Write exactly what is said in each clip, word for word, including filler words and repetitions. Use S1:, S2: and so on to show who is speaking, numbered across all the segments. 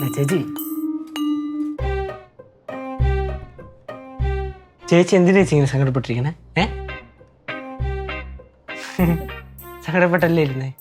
S1: ചേച്ചി ചേച്ചി എന്തിനാ ചേച്ചി ഇങ്ങനെ സങ്കടപ്പെട്ടിരിക്കണേ? ഏ സങ്കടപ്പെട്ടല്ലേ ഇരുന്നേ?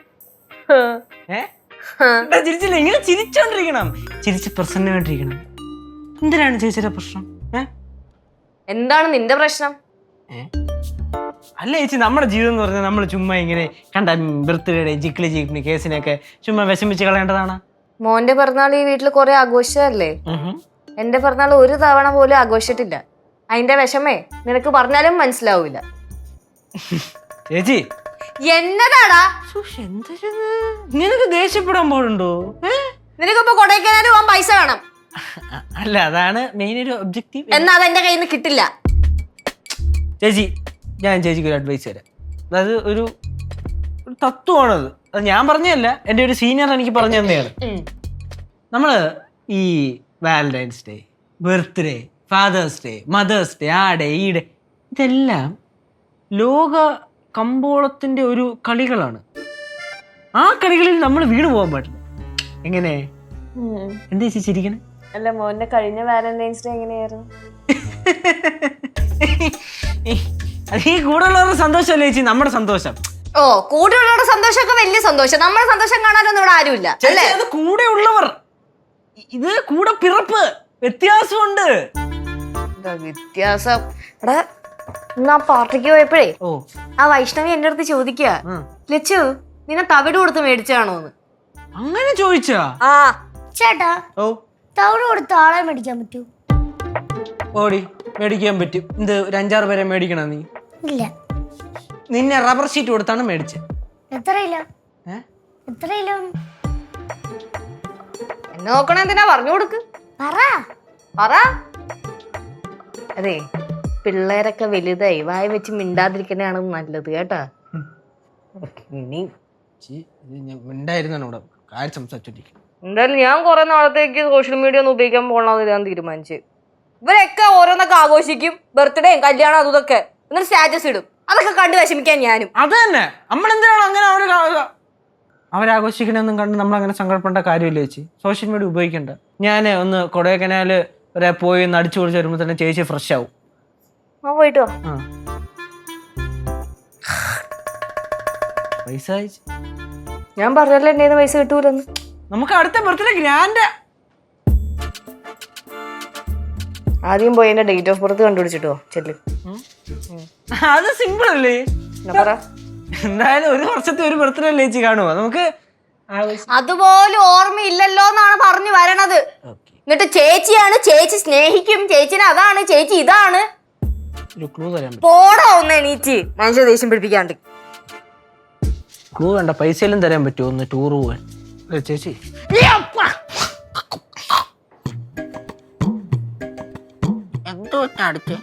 S1: ചിരിച്ചില്ല, ഇങ്ങനെ ചിരിച്ചോണ്ടിരിക്കണം, ചിരിച്ച് പ്രസന്നമായിട്ടിരിക്കണം. എന്തിനാണ് ചേച്ചിയുടെ പ്രശ്നം?
S2: എന്താണ് നിന്റെ പ്രശ്നം?
S1: അല്ല ചേച്ചി, നമ്മുടെ ജീവിതം എന്ന് പറഞ്ഞാൽ നമ്മൾ ചുമ്മാ ഇങ്ങനെ കണ്ട ബർത്ത്ഡേ ജിക്കിളി ജിക്കിളി കേസിനൊക്കെ ചുമ്മാ വിഷമിച്ച് കളയേണ്ടതാണ്.
S2: മോന്റെ പിറന്നാൾ ഈ വീട്ടിൽ കുറെ ആഘോഷമല്ലേ? എന്റെ പിറന്നാൾ ഒരു തവണ പോലും ആഘോഷിച്ചിട്ടില്ല. അതിന്റെ വിഷമേ നിനക്ക് പറഞ്ഞാലും മനസ്സിലാവൂല.
S1: ചേച്ചി
S2: എന്നതാടാ
S1: നിനക്ക് ദേഷ്യപ്പെടാൻ പോലുണ്ടോ?
S2: നിനക്കിപ്പോ കൊടൈക്കനാല് പോകാൻ പൈസ വേണം.
S1: അല്ല, അതാണ് മെയിൻ ഒരു ഒബ്ജക്റ്റീവ്.
S2: എന്നാ അതെന്റെ കയ്യിൽ നിന്ന് കിട്ടില്ല.
S1: ചേച്ചി, ഞാൻ ചേച്ചിക്ക് ഒരു അഡ്വൈസ് തരാം. അതായത് ഒരു തത്വമാണത്. അത് ഞാൻ പറഞ്ഞതല്ല, എൻ്റെ ഒരു സീനിയർ എനിക്ക് പറഞ്ഞു തന്നെയാണ്. നമ്മള് ഈ valentine's day, birthday, father's day, mother's day, ആ ഡേ ഈ ഡേ, ഇതെല്ലാം ലോക കമ്പോളത്തിന്റെ ഒരു കളികളാണ്. ആ കളികളിൽ നമ്മൾ വീണു പോകാൻ പാടില്ല. എങ്ങനെ? എന്താ ചേച്ചി ചിരിക്കണേ?
S2: അല്ല, മോന്റെ കഴിഞ്ഞ വാലന്റൈൻസ് ഡേ എങ്ങനെയായിരുന്നു?
S1: അത് ഈ കൂടെയുള്ളവരുടെ സന്തോഷമല്ലേ ചേച്ചി നമ്മുടെ സന്തോഷം.
S2: ഓ, കൂടെയുള്ളവരുടെ സന്തോഷമൊക്കെ വലിയ സന്തോഷം. നമ്മുടെ സന്തോഷം കാണാനൊന്നും ഇവിടെ ആരുമില്ല.
S1: അത് കൂടെ ഉള്ളവർ, ഇത് കൂടെ പിറപ്പ്, വ്യത്യാസമുണ്ട്.
S2: വ്യത്യാസം എടാ, ആ പാർട്ടിക്ക് പോയപ്പോഴേ
S1: ഓ
S2: ആ വൈഷ്ണവി എന്റെ അടുത്ത് ചോദിക്കുക, ലച്ചു നിന്നെ തവിട് കൊടുത്ത് മേടിച്ചാണോന്ന്.
S1: അങ്ങനെ ചോദിച്ചാ?
S2: ആ
S3: ചേട്ടാ,
S1: ഓ
S3: തവിട് കൊടുത്ത് ആളെ മേടിക്കാൻ പറ്റൂ?
S1: ഓടി മേടിക്കാൻ പറ്റും. ഇത് ഒരു അഞ്ചാറ് പേരെ മേടിക്കണ നീ?
S3: ഇല്ല.
S1: നിന്നെ റബ്ബർ ഷീറ്റ് കൊടുത്താണ് മേടിച്ചത്.
S3: എത്ര കിലോ? എത്ര കിലോ?
S2: എന്നെ നോക്കണ എന്തിനാ? പറഞ്ഞു കൊടുക്ക്.
S3: പറ
S2: പറ. അതെ, പിള്ളേരൊക്കെ വലുതായി വായ വെച്ച് മിണ്ടാതിരിക്കണയാണ് നല്ലത് കേട്ടാ.
S1: ഇനി മിണ്ടായിരുന്നോ കാര്യം സംസാരിച്ചോണ്ടിരിക്കും.
S2: എന്തായാലും ഞാൻ കുറെ നാളത്തേക്ക് സോഷ്യൽ മീഡിയ ഒന്നും ഉപയോഗിക്കാൻ പോകണമെന്ന് ഞാൻ തീരുമാനിച്ചു. ഇവരൊക്കെ ഓരോന്നൊക്കെ ആഘോഷിക്കും, ബർത്ത്ഡേയും കല്യാണം അതും ഇതൊക്കെ, എന്നിട്ട് സ്റ്റാറ്റസ് ഇടും. അതൊക്കെ കണ്ട് വിഷമിക്കാൻ ഞാനും.
S1: അത് തന്നെ, നമ്മളെന്തിനാണ് അങ്ങനെ അവര് അവരാഘോഷിക്കണമെന്നും കണ്ട് നമ്മളങ്ങനെ സങ്കടപ്പെടേണ്ട കാര്യമില്ല ചേച്ചി. സോഷ്യൽ മീഡിയ ഉപയോഗിക്കണ്ട. ഞാൻ ഒന്ന് കൊടൈക്കനാല് വരെ പോയി ഒന്ന് അടിച്ചു പൊളിച്ച് വരുമ്പോൾ തന്നെ ചേച്ചി ഫ്രഷ് ആവും.
S2: ആ പോയിട്ടോ.
S1: പൈസ
S2: ഞാൻ പറഞ്ഞല്ലോ എന്റെ പൈസ കിട്ടൂലെന്ന്.
S1: നമുക്ക് അടുത്ത ബർത്ത്ഡേ ഗ്രാൻഡ്.
S2: ആദ്യം പോയി എന്റെ ഡേറ്റ് ഓഫ് ബർത്ത് കണ്ടുപിടിച്ചിട്ടോ ചെല്ലു.
S1: അത് സിമ്പിൾ അല്ലേ? എന്തായാലും ഒരു വർഷത്തെ ഒരു ബർത്ത്ഡേ അല്ലേ ചേച്ചി കാണുമോ? നമുക്ക്
S2: അതുപോലെ ഓർമ്മയില്ലല്ലോ എന്നാണ് പറഞ്ഞു വരണത്. എന്നിട്ട് ചേച്ചിയാണ്, ചേച്ചി സ്നേഹിക്കും, ചേച്ചിനെ അതാണ്, ചേച്ചി ഇതാണ്. പോടാ ഒന്ന് എണീറ്റ് മനുഷ്യ ദേഷ്യം പിടിപ്പിക്കാണ്ട്.
S1: ക്ലൂ വേണ്ട, പൈസയെല്ലാം തരാൻ പറ്റുമോ ഒന്ന് ടൂർ പോവാൻ? ചേച്ചി എന്തോ അടുത്ത്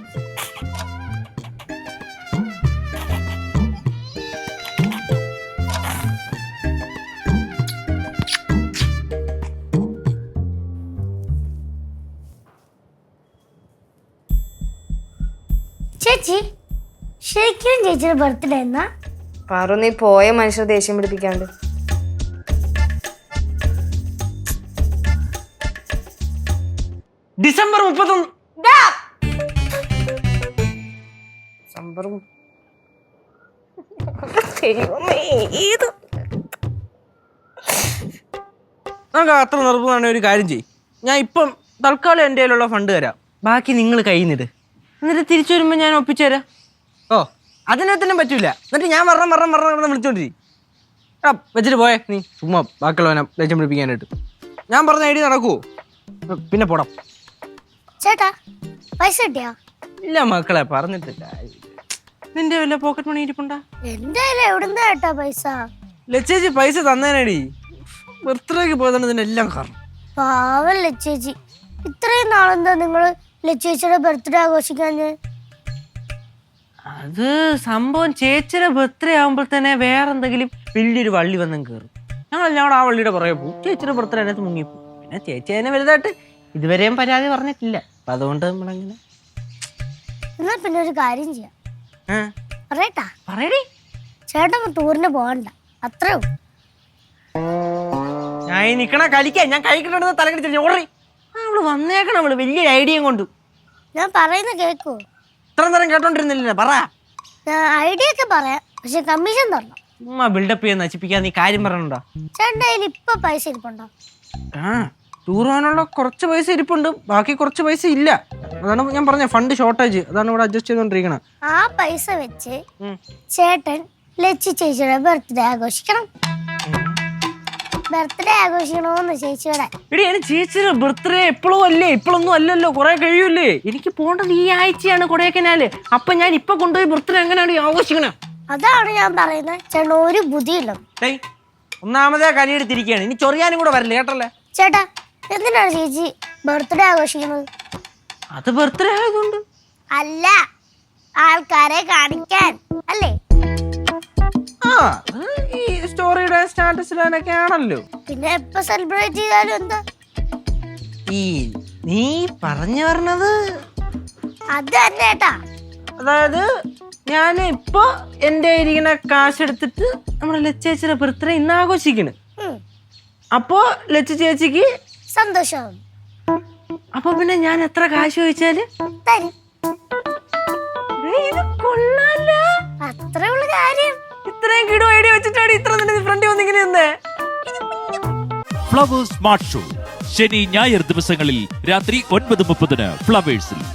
S3: ചേച്ചി, ശരിക്കും ചേച്ചിയുടെ ബർത്ത്ഡേ എന്നാ?
S2: പാറു, നീ പോയ മനുഷ്യർ ദേഷ്യം പിടിപ്പിക്കാണ്ട്.
S1: ഡിസംബർ മുപ്പത്തൊന്ന്.
S2: ഡിസംബർ
S1: നമുക്ക് അത്ര നിർബന്ധമാണ്. ഒരു കാര്യം ചെയ്യും, ഞാൻ ഇപ്പം തൽക്കാലം എൻ്റെ കയ്യിലുള്ള ഫണ്ട് തരാം, ബാക്കി നിങ്ങൾ കയ്യിൽ നിന്നിട്. എന്നിട്ട് തിരിച്ചു വരുമ്പോൾ ഞാൻ ഒപ്പിച്ചു തരാം. ഓ അതിനകത്തന്നെ പറ്റൂല. എന്നിട്ട് ഞാൻ വരണം വരണം വരണം വരണം വിളിച്ചോണ്ടിരി. ആ വെച്ചിട്ട് പോയേ നീ ചുമ്മാ ബാക്കിയുള്ളവനെ ലക്ഷ്യം പിടിപ്പിക്കാനായിട്ട്. ഞാൻ പറഞ്ഞ ഐഡിയ നടക്കുവോ? പിന്നെ പോടാം.
S3: ചേട്ടാ, പൈസ കിട്ടിയാ?
S1: ഇല്ല മക്കളെ, പറഞ്ഞിട്ടില്ല. നിന്റെ വല്ല പോക്കറ്റ് മണി ഇരിപ്പുണ്ടാ?
S3: എന്റെ എവിടുന്നാ ചേട്ടാ പൈസ?
S1: ലച്ചേച്ചി പൈസ തന്നേനടി. ബർത്ത്ഡേക്ക് പോയതാണ് ഇതിനെല്ലാം കാരണം.
S3: പാവം ലച്ചേച്ചി, ഇത്രയും നാളെന്താ നിങ്ങള് ലച്ചേച്ചിയുടെ ബർത്ത്ഡേ ആഘോഷിക്കാഞ്ഞ്?
S1: അത് സംഭവം ചേച്ചിയുടെ ബർത്ത്ഡേ ആകുമ്പോൾ തന്നെ വേറെ എന്തെങ്കിലും വലിയൊരു വള്ളി വന്നും കയറും. ഞങ്ങളെല്ലാം കൂടെ ആ വള്ളിയുടെ പുറകെ പോകും. ചേച്ചിയുടെ ബർത്ത്ഡേ അതിനകത്ത് മുങ്ങിപ്പോകും. പിന്നെ ചേച്ചി അതിനെ വലുതായിട്ട് ഇതുവരെയും പരാതി പറഞ്ഞിട്ടില്ല. അപ്പൊ അതുകൊണ്ട് നമ്മളങ്ങനെ.
S3: എന്നാ പിന്നെ ഒരു കാര്യം ചെയ്യാം. പറയട്ടാ?
S1: പറയടി.
S3: ചേട്ടൻ ടൂറിന് പോകണ്ട, അത്രേ ഉള്ളൂ.
S1: ഞാൻ ഈ നിക്കണ കഴിക്കാൻ ഞാൻ കഴിക്കണ്ടെന്ന് തലകടിച്ചു ഓർറി അവള് വന്നേക്കണം അവള് വലിയ ഐഡിയ കൊണ്ട്.
S3: ഞാൻ പറയുന്ന കേക്കോ?
S1: ഇത്ര നേരം കേട്ടോണ്ടിരുന്നില്ല പറ.
S3: ഞാൻ ഐഡിയ ഒക്കെ പറയാം, പക്ഷെ കമ്മീഷൻ തരണം.
S1: ഉമ്മ ബിൽഡപ്പ് ചെയ്യാൻ നശിപ്പിക്കാൻ നീ കാര്യം പറയണുണ്ടോ?
S3: ചേട്ടൻ്റെ കയ്യിൽ ഇപ്പൊ പൈസ ഇരിപ്പുണ്ടോ?
S1: ആ ടൂർ പോകാനുള്ള കുറച്ച് പൈസ ഇരിപ്പുണ്ട്, ബാക്കി കുറച്ച് പൈസ ഇല്ല. അതാണ് ഞാൻ പറഞ്ഞ ഫണ്ട് ഷോർട്ടേജ്, അതാണ് ഇവിടെ അഡ്ജസ്റ്റ് ചെയ്തോണ്ടിരിക്കണത്.
S3: ആ പൈസ വെച്ച് ചേട്ടൻ ലച്ചി ചേച്ചിയുടെ ബർത്ത്ഡേ ആഘോഷിക്കണം. ബർത്ത്ഡേ ആഘോഷിക്കണോന്ന് ചേച്ചിയുടെ.
S1: എടി എനിക്ക് ചേച്ചിയുടെ ബർത്ത്ഡേ എപ്പോഴും അല്ലേ, ഇപ്പോഴൊന്നും അല്ലല്ലോ, കുറെ കഴിയൂല്ലേ. എനിക്ക് പോകേണ്ടത് ഈ ആഴ്ചയാണ് കൊടൈക്കനാല്. അപ്പൊ ഞാൻ ഇപ്പൊ കൊണ്ടുപോയി ബർത്ത്ഡേ എങ്ങനെയാണ് ആഘോഷിക്കണേ?
S3: അതാണ് ഞാൻ പറയുന്നത്. ചേട്ടൻ ഒരു ബുദ്ധിയില്ല.
S1: ഒന്നാമതേ കനിയെടുത്തിരിക്കുകയാണ്, ഇനി ചൊറിയാനും കൂടെ വരില്ല കേട്ടല്ലേ.
S3: ചേട്ടാ എന്തിനാണ് ചേച്ചി ബർത്ത്ഡേ ആഘോഷിക്കുന്നത്?
S1: അത് ബർത്ത്ഡേ ആയതുകൊണ്ട്
S3: അല്ല, ആൾക്കാരെ കാണിക്കാൻ അല്ലേ?
S1: ആ ഈ സ്റ്റോറിയുടെ സ്റ്റാറ്റസിലൊക്കെ ആണല്ലോ.
S3: പിന്നെ എപ്പോ സെലിബ്രേറ്റ് ചെയ്താലും എന്താ?
S1: ഈ നീ പറഞ്ഞു പറഞ്ഞത്
S3: അത് തന്നെ ഏട്ടാ.
S1: അതായത് ഞാൻ ഇപ്പൊ എന്റെ ഇരിക്കുന്ന കാശ് എടുത്തിട്ട് നമ്മുടെ ലച്ചേച്ചിയുടെ ബർത്ത്ഡേ ഇന്ന് ആഘോഷിക്കണ്. അപ്പോ ലച്ച ചേച്ചിക്ക്
S3: സന്തോഷം.
S1: അപ്പൊ പിന്നെ ഞാൻ എത്ര കാശ് ചോദിച്ചാല്
S3: തരും.
S1: ഇത് കൊള്ളാലോ.
S3: അത്രേ ഉള്ള കാര്യം.
S1: ഇത്രയും കിടോ ഐഡിയ വെച്ചിട്ടാണ് ഇത്ര തന്നെ ഫ്രണ്ട് വന്നിങ്ങനെ നിന്നേ.
S4: ഫ്ലവേഴ്സ് സ്മാർട്ട് ഷോ ശനി ഞായർ ദിവസങ്ങളിൽ രാത്രി ഒൻപത് മുപ്പതിന് ഫ്ലവേഴ്സിൽ.